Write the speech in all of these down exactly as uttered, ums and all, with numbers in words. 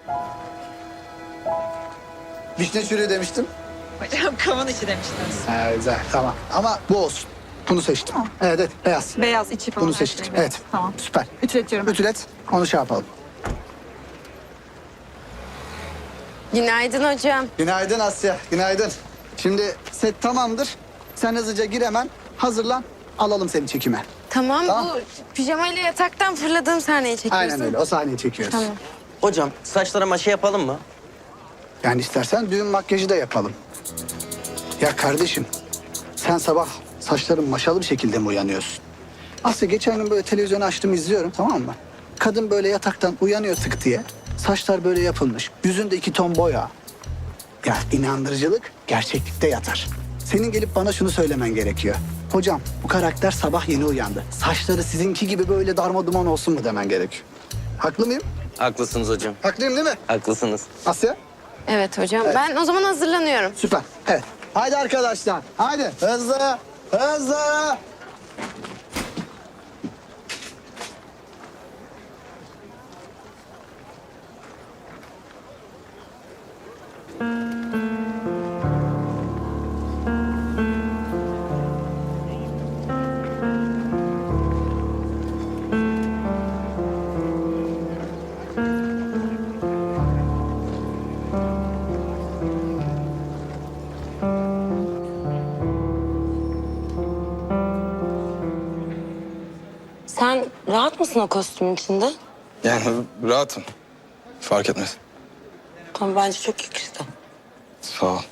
Vişne çürüğü demiştim. Hocam kavun içi demiştiniz. Ha, güzel, tamam. Ama bu olsun. Bunu seçtim. Tamam. Evet, evet, beyaz. Beyaz içi falan. Bunu her seçtim. şey. Evet. Tamam. Süper. Ütületiyorum. ben. Ütület, onu şey yapalım. Günaydın hocam. Günaydın Asya, günaydın. Şimdi set tamamdır. Sen hızlıca gir hemen, hazırlan. Alalım seni çekime. Tamam, Tamam. bu pijamayla yataktan fırladığım sahneyi çekiyorsun. Aynen öyle, o sahneyi çekiyoruz. Tamam. Hocam saçlara maşa yapalım mı? Yani istersen düğün makyajı da yapalım. Ya kardeşim, sen sabah saçların maşalı bir şekilde mi uyanıyorsun? Asya geçen gün böyle televizyonu açtım izliyorum, tamam mı? Kadın böyle yataktan uyanıyor tık diye. Saçlar böyle yapılmış. Yüzünde iki ton boya. Ya inandırıcılık gerçeklikte yatar. Senin gelip bana şunu söylemen gerekiyor. Hocam bu karakter sabah yeni uyandı. Saçları sizinki gibi böyle darma duman olsun mu demen gerekiyor. Haklı mıyım? Haklısınız hocam. Haklıyım değil mi? Haklısınız. Asya? Evet hocam, ben o zaman hazırlanıyorum. Süper. Evet. Haydi arkadaşlar. Haydi. Hızlı. Hızlı. Sen rahat mısın o kostümün içinde? Yani rahatım. Fark etmez. Tamam, bence çok yakıştı. Sağ ol.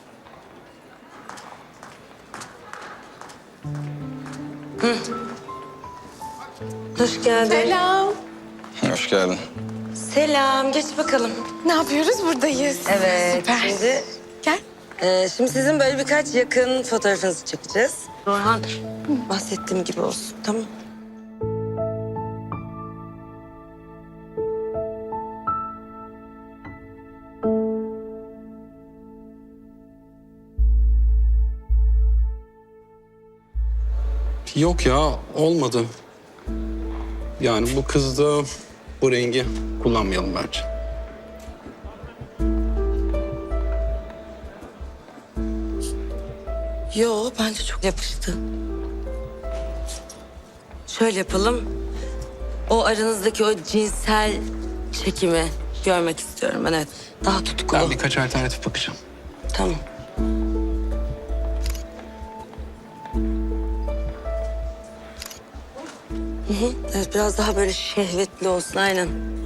Hoş geldin. Selam. Hoş geldin. Selam, geç bakalım. Ne yapıyoruz? Buradayız. Evet, Süper. şimdi... Gel. Ee, şimdi sizin böyle birkaç yakın fotoğrafınızı çekeceğiz. Orhan, bahsettiğim gibi olsun, tamam? Yok ya, olmadı. Yani bu kızda bu rengi kullanmayalım bence. Yo, bence çok yakıştı. Şöyle yapalım. O aranızdaki o cinsel çekimi görmek istiyorum ben, evet. Daha tutkulu. Ben birkaç alternatif bakacağım. Tamam. Hı hı, evet, biraz daha böyle şehvetli olsun, aynen.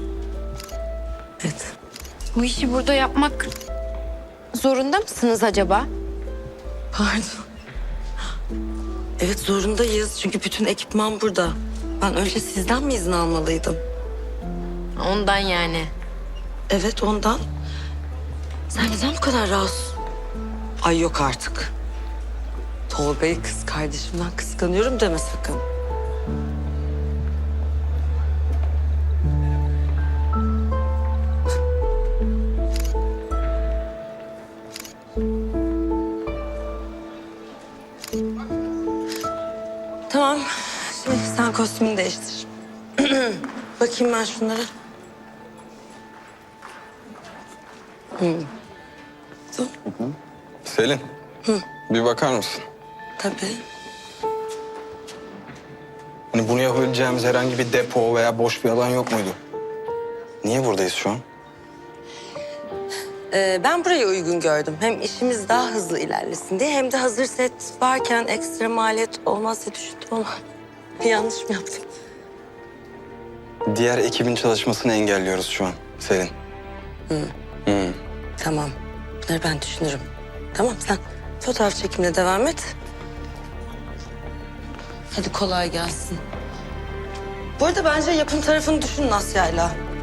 Evet. Bu işi burada yapmak zorunda mısınız acaba? Pardon. Evet, zorundayız çünkü bütün ekipman burada. Ben önce sizden mi izin almalıydım? Ondan yani. Evet, ondan. Sen neden bu kadar rahatsız? Ay yok artık. Tolga'yı kız kardeşimden kıskanıyorum deme sakın. Tamam. Şimdi sen kostümünü değiştir. Bakayım ben şunlara. Selin. Bir bakar mısın? Tabii. Hani bunu yapabileceğimiz herhangi bir depo veya boş bir alan yok muydu? Niye buradayız şu an? Ee, ben burayı uygun gördüm. Hem işimiz daha hızlı ilerlesin diye, hem de hazır set varken ekstra maliyet olmaz diye düşündüm ama yanlış mı yaptım? Diğer ekibin çalışmasını engelliyoruz şu an Selin. Tamam. Bunları ben düşünürüm. Tamam, sen fotoğraf çekimine devam et. Hadi kolay gelsin. Bu arada bence yapım tarafını düşünün Asya'yla.